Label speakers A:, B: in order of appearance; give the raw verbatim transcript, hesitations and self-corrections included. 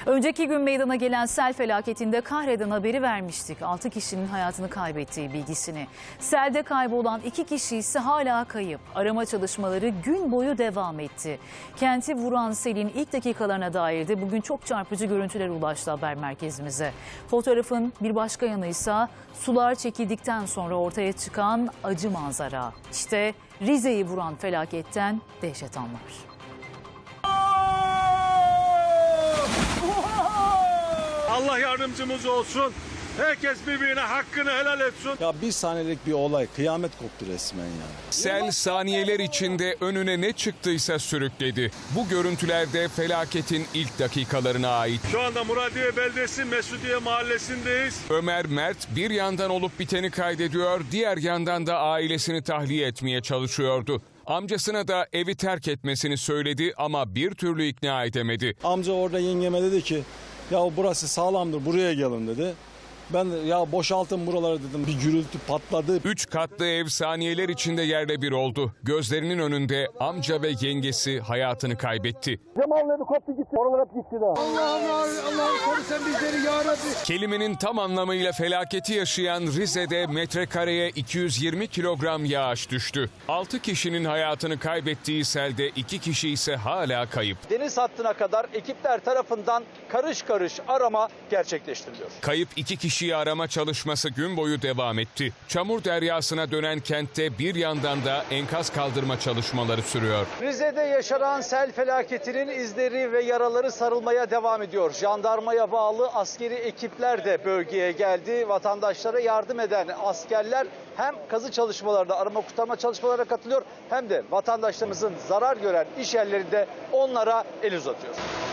A: Önceki gün meydana gelen sel felaketinde kahreden haberi vermiştik. altı kişinin hayatını kaybettiği bilgisini. Selde kaybolan iki kişi ise hala kayıp. Arama çalışmaları gün boyu devam etti. Kenti vuran selin ilk dakikalarına dair de bugün çok çarpıcı görüntüler ulaştı haber merkezimize. Fotoğrafın bir başka yanı ise sular çekildikten sonra ortaya çıkan acı manzara. İşte Rize'yi vuran felaketten dehşet anlar.
B: Allah yardımcımız olsun. Herkes birbirine hakkını helal etsin.
C: Ya bir saniyelik bir olay, kıyamet koptu resmen yani.
D: Sel saniyeler içinde önüne ne çıktıysa sürükledi. Bu görüntülerde felaketin ilk dakikalarına ait.
B: Şu anda Muradiye Beldesi Mesudiye Mahallesi'ndeyiz.
D: Ömer Mert bir yandan olup biteni kaydediyor, diğer yandan da ailesini tahliye etmeye çalışıyordu. Amcasına da evi terk etmesini söyledi ama bir türlü ikna edemedi.
C: Amca orada yengeme dedi ki, ya burası sağlamdır, buraya gelin dedi. Ben de ya boşaltın buraları dedim. Bir gürültü patladı.
D: Üç katlı ev saniyeler içinde yerle bir oldu. Gözlerinin önünde amca ve yengesi hayatını kaybetti.
E: Cemal'ın evi koptu gitti. Oralar hep gitti de. Allah'ım Allah'ım koru sen bizleri ya Rabbi.
D: Kelimenin tam anlamıyla felaketi yaşayan Rize'de metrekareye iki yüz yirmi kilogram yağış düştü. altı kişinin hayatını kaybettiği selde iki kişi ise hala kayıp.
F: Deniz hattına kadar ekipler tarafından karış karış arama gerçekleştiriliyor.
D: Kayıp iki kişiyi arama çalışması gün boyu devam etti. Çamur deryasına dönen kentte bir yandan da enkaz kaldırma çalışmaları sürüyor.
F: Rize'de yaşanan sel felaketinin izleri ve yaraları sarılmaya devam ediyor. Jandarmaya bağlı askeri ekipler de bölgeye geldi. Vatandaşlara yardım eden askerler hem kazı çalışmalarına, arama kurtarma çalışmalarına katılıyor hem de vatandaşlarımızın zarar gören iş yerlerinde onlara el uzatıyor.